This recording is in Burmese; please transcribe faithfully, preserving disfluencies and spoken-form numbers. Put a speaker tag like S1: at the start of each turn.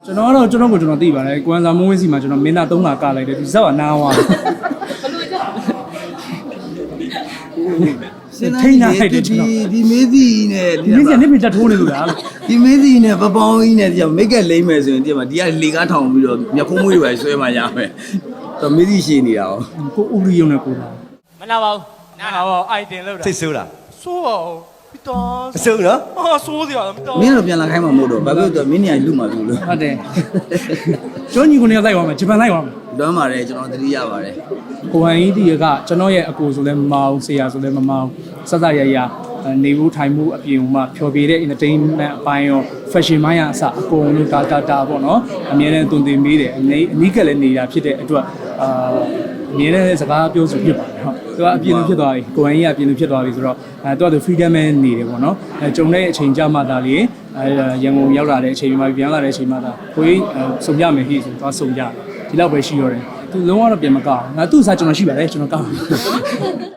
S1: ကျွန်တော်ကတော့ကျွန်တော်ကိုကျွန်တော်သိပါတယ်ကွမ်စာမုံးဝင်းစီမှာကျွန်တော်မင်းသားသုံးခါကလိုက်တယ်ဒီဇက်ကနားသွားတယ်ထိန်းနိုင်တယ်ကျွန်တော်
S2: ဒီမေးစီနဲ့
S1: ဒီနေ့ကနေပြတက်ထိုးနေလို့လား
S2: ဒီမေးစီနဲ့ပပောင်းကြီးနဲ့ဒီမိတ်ကက်လိမ့်မယ်ဆိုရင်ဒီမှာဒီကလေကားထောင်ပြီးတော့မျက်ခုံးမွေးတွေပဲဆွဲမှရမယ်တော့မေးစီရှည်နေတာရော
S1: ကိုဥရီယုံနဲ့ကိုလာ
S3: မနာပါဘူးနာပါဘူးအိုက်တင်လောက်တာ
S4: စိတ်ဆိုးလား
S3: စိုးပါဦးပြီးတော့
S4: အဆိုးနော်
S3: ဟာစိုးစရာမတော်
S2: မင်းတို့ပြန်လာခိုင်းမှာမဟုတ်တော့ဘာဖြစ်လို့မင်းနေရာလူမှာလို့လို့
S1: ဟုတ်တယ်ကျွန်းညီကိုနေရာလိုက်ပါမယ်ဂျပန်လိုက်ပါမယ်
S2: လွမ်းပါတယ်ကျွန်တော်သတိရပါတယ်
S1: ကိုဟန်ကြီးဒီကကျွန်တော်ရဲ့အကိုဆိုလဲမမအောင်ဆရာဆိုလဲမမအောင်စစရရနေဘူးထိုင်မှုအပြင်မှာဖြော်ပြတဲ့ entertainment အပိုင်းရော fashion မိုင်းအစအကုန်လုံးတာတာတာပေါ့နော်အမြဲတမ်းတုံတင်မေးတယ်အနည်းအနီးကလည်းနေတာဖြစ်တဲ့အတွက်အာအမြဲတမ်းစကားပြောဆိုဖြစ်ပါတယ်ဟုတ်သူကအပြင်လိုဖြစ်သွားပြီကိုဟန်ကြီးကအပြင်လိုဖြစ်သွားပြီဆိုတော့အဲသူကသူ freedom နဲ့နေတယ်ပေါ့နော်အဲကြုံတဲ့အချိန်ကြမှသာလေအဲရန်ကုန်ရောက်လာတဲ့အချိန်မှာပြန်လာတဲ့အချိန်မှာသာကိုကြီးစုံရမယ်ဟိဆိုတော့စုံကြဒီလောက်ပဲရှိရတယ်သူလုံးဝတော့ပြန်မကောက်ငါသူ့စားကျွန်တော်ရှိပါတယ်ကျွန်တော်ကောက်